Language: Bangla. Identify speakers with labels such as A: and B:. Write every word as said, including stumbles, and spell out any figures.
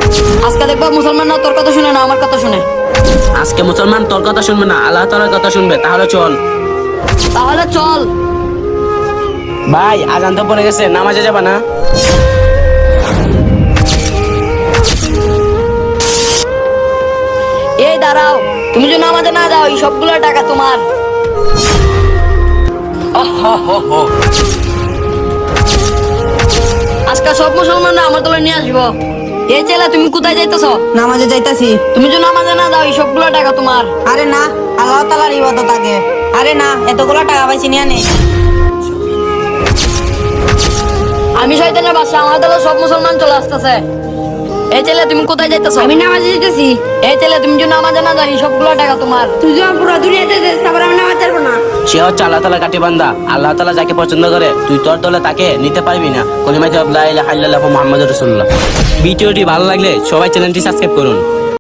A: আজকে দেখবা মুসলমান না তোর কথা শুনে না আমার কথা শুনে।
B: আজকে মুসলমান তোর কথা শুনবে না, আল্লাহ তাআলার কথা শুনবে। তাহলে চল।
A: তাহলে চল।
B: ভাই আজান তো পড়ে গেছে, নামাজে যাবা না?
A: এই দাঁড়াও, তুমি যদি নামাজে না যাও এই সবগুলো টাকা তোমার। আজকে সব মুসলমানরা আমার দলে নিয়ে আসবো। এই ছেলে তুমি কোথায় যাইতেছ?
C: নামাজে যাইতাছি।
A: তুমি যদি নামাজে না যাও এই সবগুলো টাকা তোমার।
C: আরে না, আল্লাহ তাআলার ইবাদত আগে। আরে না, এতগুলো টাকা পাইছি নিয়ে নে।
A: আমি শয়তানের বাসা, আমার দলে সব মুসলমান চলে আসতেছে। এই ছেলে তুমি কোথায় যাইতেছ?
D: আমি নামাজে যেতেছি।
A: এই ছেলে তুমি যদি নামাজে না যাও এই সবগুলো টাকা তোমার।
D: তুই যখন পুরো দুনিয়াতে যাস তারপর আমি নামাজ ছাড়বো না।
B: সে হচ্ছে আল্লাহ তাআলা কাটি বান্দা। আল্লাহ তাআলা যাকে পছন্দ করে তুই তোর দলে তাকে নিতে পারবি না। কলিমা লা ইলাহা ইল্লাল্লাহু মুহাম্মাদুর রাসূলুল্লাহ। ভিডিওটি ভালো লাগলে সবাই চ্যানেলটি সাবস্ক্রাইব করুন।